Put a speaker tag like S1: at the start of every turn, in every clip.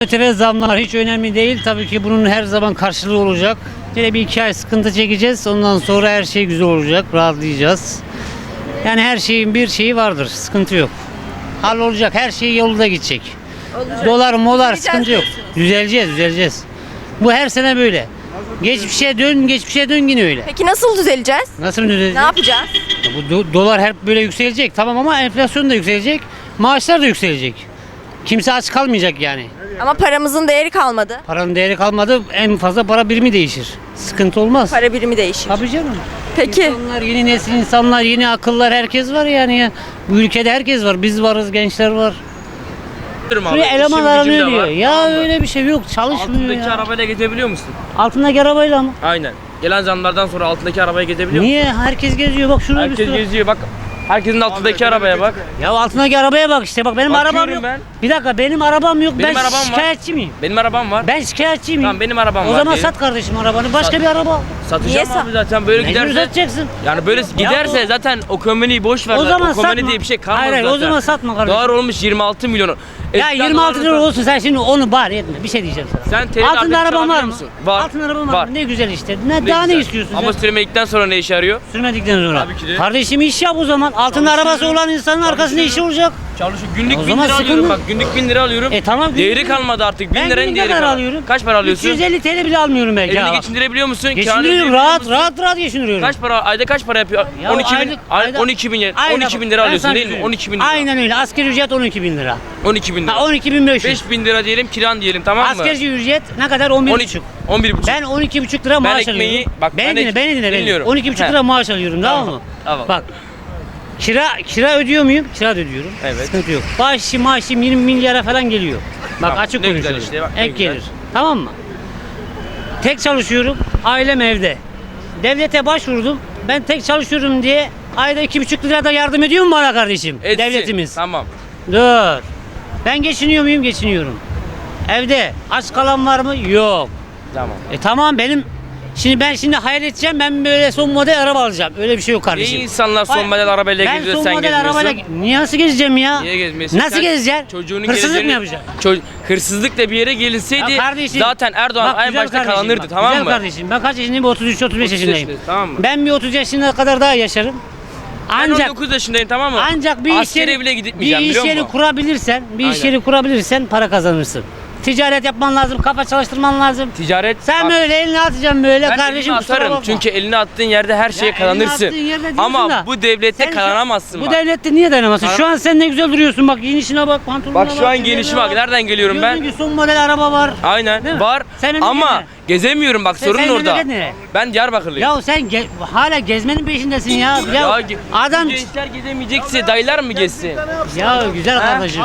S1: ÖTV zamlar hiç önemli değil. Tabii ki bunun her zaman karşılığı olacak. Yine bir 2 ay sıkıntı çekeceğiz. Ondan sonra her şey güzel olacak. Rahatlayacağız. Yani her şeyin bir şeyi vardır. Sıkıntı yok. Hallolacak. Her şey yolunda gidecek.
S2: Olacak.
S1: Dolar molar
S2: Düzeleceğiz
S1: sıkıntı yok.
S2: diyorsunuz.
S1: Düzeleceğiz. Bu her sene böyle. Geçmişe dön yine öyle.
S2: Peki nasıl düzeleceğiz?
S1: Nasıl düzelecek?
S2: Ne yapacağız?
S1: Ya bu dolar hep böyle yükselecek. Tamam ama enflasyon da yükselecek. Maaşlar da yükselecek. Kimse aç kalmayacak yani.
S2: Ama paramızın değeri kalmadı.
S1: Paranın değeri kalmadı. En fazla para birimi değişir. Sıkıntı olmaz.
S2: Para birimi değişir.
S1: Tabii canım.
S2: Peki.
S1: İnsanlar, yeni nesil insanlar, yeni akıllar herkes var yani ya. Bu ülkede herkes var. Biz varız, gençler var. Buraya eleman aranıyor diyor. Ya öyle bir şey yok. Çalışmıyor
S3: Altındaki
S1: ya.
S3: arabayla gezebiliyor musun?
S1: Altındaki arabayla mı?
S3: Aynen. Gelen zamlardan sonra altındaki arabaya gezebiliyor musun?
S1: Niye? Herkes geziyor. Bak şurada bir
S3: Herkes
S1: sürü.
S3: geziyor bak. Herkesin altındaki arabaya bak.
S1: Ya altındaki arabaya bak işte. Bak benim
S3: Bakıyorum
S1: arabam yok.
S3: ben.
S1: Bir dakika benim arabam yok.
S3: Benim
S1: ben
S3: arabam var.
S1: şikayetçi miyim?
S3: Benim arabam var.
S1: Ben şikayetçi miyim?
S3: Tamam benim arabam
S1: O
S3: var.
S1: zaman
S3: diyelim.
S1: sat kardeşim arabanı. Başka bir araba al.
S3: Satacağım
S2: Niye
S3: abi zaten böyle
S1: Mecbur
S3: giderse.
S1: satacaksın.
S3: Yani böyle giderse zaten o komüniteyi boş ver.
S1: O
S3: zaten.
S1: zaman
S3: o komünite
S1: satma.
S3: diye bir şey kalmaz
S1: Hayır,
S3: zaten.
S1: o zaman satma kardeşim.
S3: Dolar olmuş 26 milyon.
S1: Ya
S3: Eskiden
S1: 26
S3: dolar-
S1: lira olsun sen şimdi onu bari etme. Bir şey diyeceğim sana.
S3: Sen TL
S1: Altında
S3: artık
S1: araban var
S3: çalabiliyor
S1: mı?
S3: musun? Var.
S1: Altında araban var
S3: Var.
S1: mı? Ne güzel işte.
S3: Ne
S1: Daha ne
S3: güzel.
S1: istiyorsun
S3: Ama
S1: sen?
S3: sürmedikten sonra ne işe yarıyor?
S1: Sürmedikten sonra.
S3: Tabii ki de.
S1: Kardeşim iş yap o zaman. Altında arabası olan insanın arkasında işi olacak.
S3: Çalışıyor. Günlük
S1: O
S3: 1000
S1: zaman
S3: lira
S1: sıkıntı.
S3: alıyorum bak. Günlük 1000 lira alıyorum.
S1: Tamam.
S3: Değeri kalmadı artık. 1000
S1: Ben
S3: liranın
S1: günlük ne
S3: değeri
S1: kadar
S3: kalmadı.
S1: alıyorum?
S3: Kaç para alıyorsun?
S1: 350 TL bile almıyorum belki.
S3: Elini
S1: ha.
S3: geçindirebiliyor musun? Kâr
S1: Geçindiriyorum.
S3: edebiliyor
S1: Rahat
S3: musun?
S1: rahat geçindiriyorum.
S3: Kaç para ayda kaç para yapıyor?
S1: Ya
S3: 12 bin,
S1: aylık-
S3: 12 bin,
S1: Aynen
S3: 12 bin
S1: bak,
S3: lira
S1: ben
S3: alıyorsun
S1: sana
S3: değil mi?
S1: söyleyeyim.
S3: 12 bin lira.
S1: Aynen öyle. Asgari ücret 12 bin lira.
S3: 12 bin lira.
S1: Ha 12.500.
S3: 5 bin lira diyelim kiran diyelim tamam mı?
S1: Asgari ücret ne kadar? 11,5.
S3: 12, 11 buçuk.
S1: Ben 12,5 lira maaş
S3: ekmeği-
S1: alıyorum.
S3: bak
S1: beni
S3: ben
S1: dinle,
S3: ek-
S1: beni dinle.
S3: dinliyorum.
S1: 12,5
S3: He.
S1: lira maaş alıyorum tamam mı?
S3: Tamam.
S1: Bak. Kira ödüyor muyum? Kira da ödüyorum.
S3: Evet.
S1: Sıkıntı yok. Maaşım 20 milyara falan geliyor. Bak
S3: Tamam,
S1: açık
S3: ne güzel
S1: konuşuyorum.
S3: işte, bak ne
S1: Ek
S3: güzel.
S1: gelir. Tamam mı? Tek çalışıyorum. Ailem evde. Devlete başvurdum. Ben tek çalışıyorum diye ayda 2,5 lira da yardım ediyor mu bana kardeşim?
S3: Etsin.
S1: Devletimiz.
S3: Tamam.
S1: Dur. Ben geçiniyor muyum? Geçiniyorum. Evde aç kalan var mı? Yok.
S3: Tamam.
S1: Tamam benim şimdi hayal edeceğim ben böyle son model araba alacağım. Öyle bir şey yok kardeşim.
S3: Niye insanlar son
S1: Hayır,
S3: model arabayla
S1: ben
S3: geziyor
S1: son
S3: sen
S1: model
S3: gezmiyorsun?
S1: arabayla niye nasıl gezeceğim ya?
S3: Niye gezmiyorsun?
S1: Nasıl
S3: Sen
S1: gezeceksin?
S3: Çocuğunun
S1: Hırsızlık mı
S3: geleceğini-
S1: yapacaksın?
S3: Hırsızlıkla bir yere gelinseydi
S1: Ya kardeşim,
S3: zaten Erdoğan
S1: bak
S3: en
S1: güzel
S3: başta
S1: kardeşim,
S3: kazanırdı
S1: bak,
S3: tamam
S1: güzel
S3: mı?
S1: kardeşim ben kaç yaşındayım? 33-35
S3: 30
S1: yaşındayım.
S3: yaşındayız, tamam mı?
S1: Ben bir 30 yaşına kadar daha yaşarım.
S3: Ben
S1: Ancak
S3: 19 yaşındayım tamam mı?
S1: ancak bir iş
S3: Askere
S1: yeri,
S3: bile gitmeyeceğim
S1: bir iş
S3: biliyor
S1: yeri
S3: musun?
S1: kurabilirsen,
S3: Aynen.
S1: para kazanırsın. Ticaret yapman lazım, kafa çalıştırman lazım.
S3: Ticaret
S1: Sen
S3: bak,
S1: böyle elini atacaksın böyle
S3: ben
S1: kardeşim
S3: elini
S1: kusura
S3: atarım
S1: bakma.
S3: çünkü elini attığın yerde her şeye
S1: Ya
S3: kazanırsın.
S1: elini attığın yerde diyorsun
S3: Ama
S1: da,
S3: bu devlette
S1: sen şu-
S3: kazanamazsın
S1: Bu
S3: bak.
S1: devlette niye dayanamazsın?
S3: Kazan-
S1: Şu an sen ne güzel duruyorsun bak giyinişine bak pantolonuna
S3: Bak
S1: bak.
S3: şu an
S1: yüzüne
S3: gelişime bak. Nereden geliyorum
S1: Diyorsun
S3: ben?
S1: ki son model araba var. Değil
S3: Aynen
S1: mi?
S3: var
S1: Senin
S3: ama
S1: nereye?
S3: gezemiyorum bak sorun
S1: senin
S3: orada.
S1: memleket nere?
S3: Ben Diyarbakırlıyım.
S1: Ya sen hala gezmenin peşindesin ya.
S3: ge-
S1: Adam
S3: bu gençler gezemeyecekse dayılar mı gezsin?
S1: ya güzel kardeşim.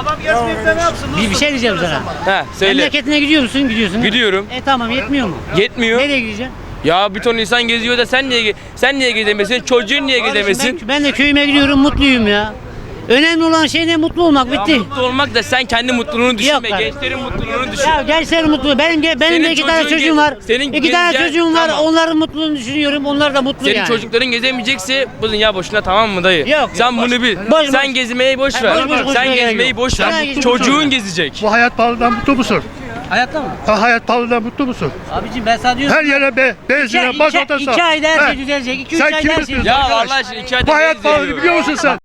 S1: Bir şey diyeceğim sana.
S3: He söyle.
S1: Memleketine gidiyor musun? Gidiyorsun. değil mi?
S3: Gidiyorum.
S1: Tamam yetmiyor mu?
S3: Yetmiyor.
S1: Nereye gideceksin?
S3: Ya bir ton insan geziyor da sen niye gezemesin? Çocuğun niye gezemesin?
S1: Ben de köyüme gidiyorum mutluyum ya. Önemli olan şey ne? Mutlu olmak
S3: Ya
S1: bitti.
S3: mutlu olmak da sen kendi mutluluğunu düşünme.
S1: kardeşim.
S3: Gençlerin mutluluğunu düşün.
S1: Ya gençler mutlu. Benim de
S3: Senin
S1: iki tane
S3: çocuğun
S1: çocuğum var.
S3: senin
S1: İki tane
S3: gezeceğin-
S1: çocuğum var.
S3: Tamam.
S1: Onların mutluluğunu düşünüyorum. Onlar da mutlu
S3: Senin
S1: yani.
S3: çocukların gezemeyecekse bu dünya boşuna tamam mı dayı?
S1: Yok,
S3: Sen
S1: yok,
S3: bunu bil.
S1: boş,
S3: sen
S1: boş.
S3: gezmeyi boş ver.
S1: boş, boş, boş,
S3: sen
S1: boş,
S3: gezmeyi
S1: yok.
S3: boş
S1: Sen
S3: ver.
S1: mutlu
S3: Çocuğun
S1: musun?
S3: gezecek.
S4: Bu hayat pahalılığından mutlu musun?
S1: Hayatta mı?
S4: Ha, hayat pahalılığından mutlu musun?
S1: Abicim ben sana diyorum.
S4: Her yere benzine, mazota sar.
S1: İki ayda her
S4: He.
S1: şey düzelecek. 2-3
S4: Sen
S1: ayda
S4: kimi
S1: her şey
S4: tutuyorsun?
S3: Ya
S4: Arkadaş,
S3: Allah aşkına 2 ayda
S4: Bu hayat
S3: ne
S4: pahalı
S3: izleniyor?
S4: biliyor musun sen?